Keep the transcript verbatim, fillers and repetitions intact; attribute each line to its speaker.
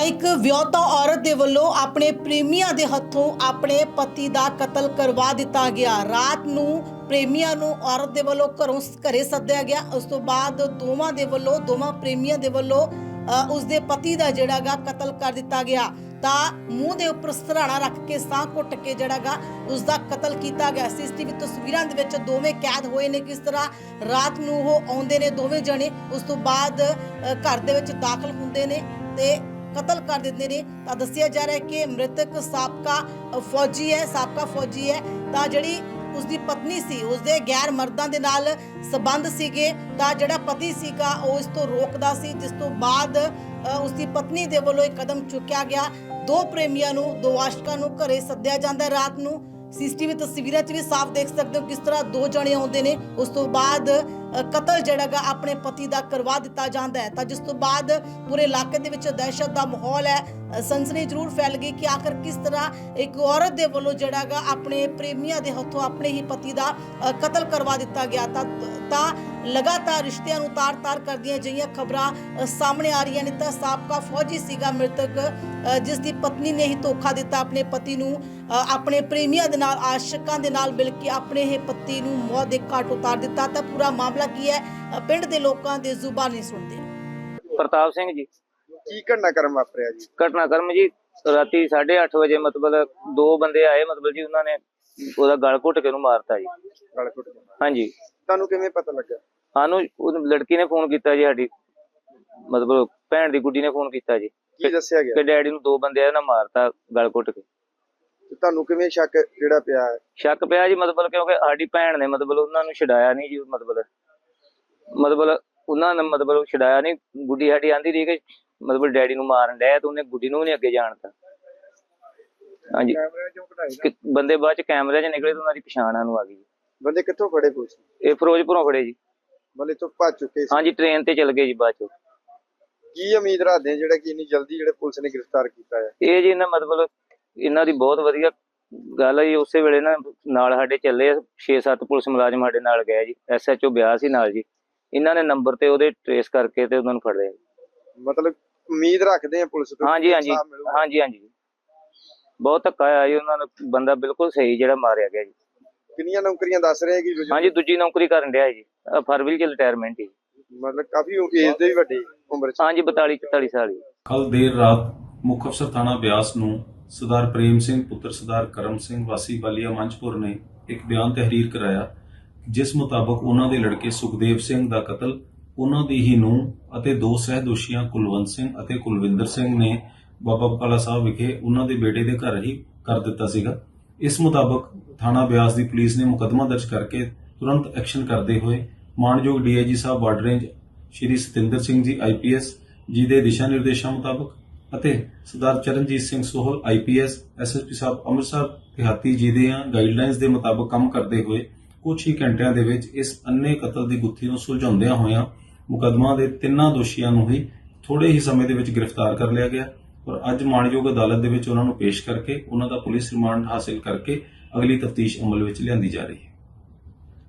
Speaker 1: एक ਵਿਆਹੁਤਾ औरत ਦੇ ਵੱਲੋਂ ਆਪਣੇ ਪ੍ਰੇਮੀਆਂ ਦੇ ਹੱਥੋਂ ਆਪਣੇ ਪਤੀ ਦਾ ਕਤਲ ਕਰਵਾ ਦਿੱਤਾ ਗਿਆ। ਰਾਤ ਨੂੰ ਪ੍ਰੇਮੀਆਂ ਨੂੰ ਔਰਤ ਦੇ ਵੱਲੋਂ ਘਰੋਂ ਘਰੇ ਸੱਦਿਆ ਗਿਆ। ਉਸ ਤੋਂ ਬਾਅਦ ਦੋਵਾਂ ਦੇ ਵੱਲੋਂ ਦੋਵਾਂ ਪ੍ਰੇਮੀਆਂ ਦੇ ਵੱਲੋਂ ਉਸ ਦੇ ਪਤੀ ਦਾ ਜਿਹੜਾਗਾ ਕਤਲ ਕਰ ਦਿੱਤਾ ਗਿਆ। ਤਾਂ ਮੂੰਹ ਦੇ ਉੱਪਰ ਸਰਾਣਾ ਰੱਖ ਕੇ ਸਾਹ ਘੁੱਟ ਕੇ ਜਿਹੜਾਗਾ ਉਸ ਦਾ ਕਤਲ ਕੀਤਾ ਗਿਆ। ਸੀਸੀਟੀਵੀ ਤਸਵੀਰਾਂ ਦੇ ਵਿੱਚ ਦੋਵੇਂ ਕੈਦ ਹੋਏ ਨੇ। ਕਿਸ ਤਰ੍ਹਾਂ ਰਾਤ ਨੂੰ ਉਹ ਆਉਂਦੇ ਨੇ ਦੋਵੇਂ ਜਣੇ, ਉਸ ਤੋਂ ਬਾਅਦ ਘਰ ਦੇ ਵਿੱਚ ਦਾਖਲ ਹੁੰਦੇ ਨੇ ਤੇ कतल कर देते ने। तो दसिया जा रहा है कि मृतक साबका फौजी है साबका फौजी है तो जिहड़ी उसकी पत्नी सी उसके गैर मर्दां दे नाल संबंध सीगे। तो जिहड़ा पति सीगा वो इस तो रोकदा सी, जिस तो बाद उसकी पत्नी दे वल्लों एक कदम चुक्या गया। दो प्रेमियां नूं दो आशिकां नूं घरे सद्दिया जांदा है रात नूं। सीसीटीवी तस्वीरां च भी साफ देख सकते हो किस तरह दो जने आउंदे ने। उस तो बाद कतल जिहड़ा अपने पति का करवा दिता जाता है। तो जिस तो बाद पूरे इलाके दे विच दहशत का माहौल है, सनसनी जरूर फैल गई कि आखिर किस तरह एक औरत दे वल्लों जिहड़ा अपने प्रेमियां दे हत्थों अपने ही पति का कतल करवा दिता गया। तो लगातार रिश्तियां नूं तार तार करदियां जिहियां खबरां सामने आ रही ने। तो साबका फौजी सीगा मृतक, जिसकी पत्नी ने ही धोखा दिता अपने पति नूं, अपने प्रेमियां दे नाल आशिकां दे नाल मिल के अपने ही पति नूं मौत दे घाट उतार दिता। तो पूरा मामला की है पिंड दे लोकां दे जुबानी सुनदे।
Speaker 2: प्रताप सिंह जी
Speaker 3: की घटनाक्रम वापरिया जी?
Speaker 2: घटनाक्रम जी राती साढ़े अठ बजे मतलब दो बंदे आए, मतलब जी उन्होंने ਉਹਦਾ ਗਲ ਘੁੱਟ ਕੇ ਨੂੰ ਮਾਰਤਾ ਜੀ।
Speaker 3: ਗਲ ਘੁੱਟ ਕੇ?
Speaker 2: ਹਾਂਜੀ।
Speaker 3: ਤੁਹਾਨੂੰ ਕਿਵੇਂ ਪਤਾ ਲੱਗਾ?
Speaker 2: ਸਾਨੂੰ ਉਹ ਲੜਕੀ ਨੇ ਫੋਨ ਕੀਤਾ ਜੀ, ਸਾਡੀ ਮਤਲਬ ਭੈਣ ਦੀ ਗੁੱਡੀ ਨੇ ਫੋਨ ਕੀਤਾ ਜੀ।
Speaker 3: ਕੀ ਦੱਸਿਆ ਗਿਆ?
Speaker 2: ਕਿ ਡੈਡੀ ਨੂੰ ਦੋ ਬੰਦੇ ਆ ਨਾ ਮਾਰਤਾ ਗਲ ਘੁੱਟ ਕੇ।
Speaker 3: ਤੇ ਤੁਹਾਨੂੰ ਕਿਵੇਂ ਸ਼ੱਕ ਜਿਹੜਾ ਪਿਆ ਹੈ?
Speaker 2: ਸ਼ੱਕ ਪਿਆ ਜੀ ਮਤਲਬ ਕਿਉਂਕਿ ਸਾਡੀ ਭੈਣ ਨੇ ਮਤਲਬ ਉਹਨਾਂ ਨੂੰ ਛਡਾਇਆ ਨਹੀਂ ਜੀ। ਮਤਲਬ ਮਤਲਬ ਉਹਨਾਂ ਨੇ ਮਤਲਬ ਛਡਾਇਆ ਨਹੀਂ। ਗੁੱਡੀ ਸਾਡੀ ਆਂਦੀ ਰਹੀ ਕਿ ਮਤਲਬ ਡੈਡੀ ਨੂੰ ਮਾਰਨ ਡਿਆ ਤੇ ਉਹਨੇ ਗੁੱਡੀ ਨੂੰ ਵੀ ਨਹੀਂ ਅੱਗੇ ਜਾਣਤਾ। ਹਾਂਜੀ। ਬੰਦੇ ਬਾਅਦ ਚ ਕੈਮਰੇ ਚ ਨਿਕਲੇ ਤੇ ਉਹਨਾਂ ਦੀ ਪਛਾਣ ਸਾਨੂੰ ਆ ਗਈ ਜੀ।
Speaker 3: ਬੰਦੇ ਕਿੱਥੋਂ ਫੜੇ ਪੁਲਿਸ?
Speaker 2: ਇਹ ਫਿਰੋਜ਼ਪੁਰੋਂ ਫੜੇ ਜੀ।
Speaker 3: ਬੰਦੇ ਤੋਂ ਭੱਜ ਚੁੱਕੇ ਸੀ?
Speaker 2: ਹਾਂਜੀ, ਟ੍ਰੇਨ ਤੇ ਚਲ ਗਏ ਜੀ ਬਾਅਦ ਚ।
Speaker 3: ਕੀ ਉਮੀਦ ਰੱਖਦੇ ਜਿਹੜਾ ਕਿ ਇੰਨੀ ਜਲਦੀ ਜਿਹੜੇ ਪੁਲਿਸ ਨੇ ਗ੍ਰਿਫਤਾਰ ਕੀਤਾ ਹੈ?
Speaker 2: ਇਹ ਜੀ ਇਹਨਾਂ ਮਤਲਬ ਇਹਨਾਂ ਦੀ ਬਹੁਤ ਵਧੀਆ ਗੱਲ ਹੈ ਜੀ। ਉਸੇ ਵੇਲੇ ਨਾ ਨਾਲ ਸਾਡੇ ਚੱਲੇ ਛੇ ਸੱਤ ਪੁਲਿਸ ਮੁਲਾਜ਼ਮ ਸਾਡੇ ਨਾਲ ਗਏ ਜੀ। ਐਸ ਐਚ ਓ ਬਿਆਸ ਸੀ ਨਾਲ ਜੀ। ਇਹਨਾਂ ਨੇ ਨੰਬਰ ਤੇ ਉਹਦੇ ਟ੍ਰੇਸ ਕਰਕੇ ਤੇ ਉਹਨਾਂ ਨੂੰ ਫੜ ਲਿਆ।
Speaker 3: ਮਤਲਬ ਉਮੀਦ ਰੱਖਦੇ ਆ ਪੁਲਿਸ ਤੋਂ?
Speaker 2: ਹਾਂਜੀ ਹਾਂਜੀ ਹਾਂਜੀ ਹਾਂਜੀ। ਬਹੁਤ ਧੱਕਾ ਆਇਆ ਜੀ ਉਹਨਾਂ ਨੂੰ। ਬੰਦਾ ਬਿਲਕੁਲ ਸਹੀ ਜਿਹੜਾ ਮਾਰਿਆ ਗਿਆ ਜੀ।
Speaker 3: ਕਿੰਨੀਆਂ ਨੌਕਰੀਆਂ ਦੱਸ ਰਹੇ ਕਿ?
Speaker 2: ਹਾਂਜੀ, ਦੂਜੀ ਨੌਕਰੀ ਕਰਨ ਡਿਆ ਜੀ। ਫਰਵਰੀ ਚ ਰਿਟਾਇਰਮੈਂਟ ਹੀ।
Speaker 3: ਮਤਲਬ ਕਾਫੀ ਏਜ ਦੇ ਵੀ ਵੱਡੇ ਉਮਰ ਚ?
Speaker 2: ਹਾਂਜੀ, ਬਤਾਲੀ ਚੁਤਾਲੀ ਸਾਲ ਹੀ।
Speaker 4: ਕੱਲ ਦੇਰ ਰਾਤ ਮੁੱਖ ਅਫਸਰ ਥਾਣਾ ਬਿਆਸ ਨੂੰ ਸਰਦਾਰ ਪ੍ਰੇਮ ਸਿੰਘ ਪੁੱਤਰ ਸਰਦਾਰ ਕਰਮ ਸਿੰਘ ਵਾਸੀ ਵਾਲੀਆ ਮੰਚਪੁਰ ਨੇ ਇੱਕ ਬਿਆਨ ਤਹਿਰੀਰ ਕਰਾਇਆ, ਜਿਸ ਮੁਤਾਬਕ ਉਹਨਾਂ ਦੇ ਲੜਕੇ ਸੁਖਦੇਵ ਸਿੰਘ ਦਾ ਕਤਲ ਉਹਨਾਂ ਦੀ ਹੀ ਨੂੰਹ ਅਤੇ ਦੋ ਸਹਿ ਦੋਸ਼ੀਆਂ ਕੁਲਵੰਤ ਸਿੰਘ ਅਤੇ ਕੁਲਵਿੰਦਰ ਸਿੰਘ ਨੇ ਬਾਬਾ ਬਕਾਲਾ ਸਾਹਿਬ ਵਿਖੇ ਉਹਨਾਂ ਦੇ ਬੇਟੇ ਦੇ ਘਰ ਹੀ ਕਰ ਦਿੱਤਾ ਸੀਗਾ। ਇਸ ਮੁਤਾਬਕ ਥਾਣਾ ਬਿਆਸ ਦੀ ਪੁਲਿਸ ਨੇ ਮੁਕੱਦਮਾ ਦਰਜ ਕਰਕੇ ਤੁਰੰਤ ਐਕਸ਼ਨ ਕਰਦੇ ਹੋਏ ਮਾਨਯੋਗ D I G sahib border range Shri Satinder Singh ji I P S ਜੀ ਦੇ ਦਿਸ਼ਾ ਨਿਰਦੇਸ਼ਾਂ ਮੁਤਾਬਕ ਅਤੇ Sardar Charanjit Singh Sohal I P S S S P sahib Amritsar ਦਿਹਾਤੀ ਜੀ ਦੇ ਗਾਈਡਲਾਈਨਸ ਦੇ ਮੁਤਾਬਕ ਕੰਮ ਕਰਦੇ ਹੋਏ ਕੁਝ ਹੀ ਘੰਟਿਆਂ ਦੇ ਵਿੱਚ ਇਸ ਅੰਨੇ ਕਤਲ ਦੀ ਗੁੱਥੀ ਨੂੰ ਸੁਲਝਾਉਂਦਿਆਂ ਹੋਇਆਂ ਮੁਕੱਦਮਾ ਦੇ ਤਿੰਨਾਂ ਦੋਸ਼ੀਆਂ ਨੂੰ ਹੀ ਥੋੜੇ ਹੀ ਸਮੇਂ ਦੇ ਵਿੱਚ ਗ੍ਰਿਫਤਾਰ ਕਰ ਲਿਆ ਗਿਆ। ਔਰ ਅੱਜ ਮਾਣਯੋਗ ਅਦਾਲਤ ਦੇ ਵਿੱਚ ਉਹਨਾਂ ਨੂੰ ਪੇਸ਼ ਕਰਕੇ ਉਹਨਾਂ ਦਾ ਪੁਲਿਸ ਰਿਮਾਂਡ ਹਾਸਿਲ ਕਰਕੇ ਅਗਲੀ ਤਫਤੀਸ਼ ਅਮਲ ਵਿੱਚ ਲਿਆਂਦੀ ਜਾ ਰਹੀ ਹੈ।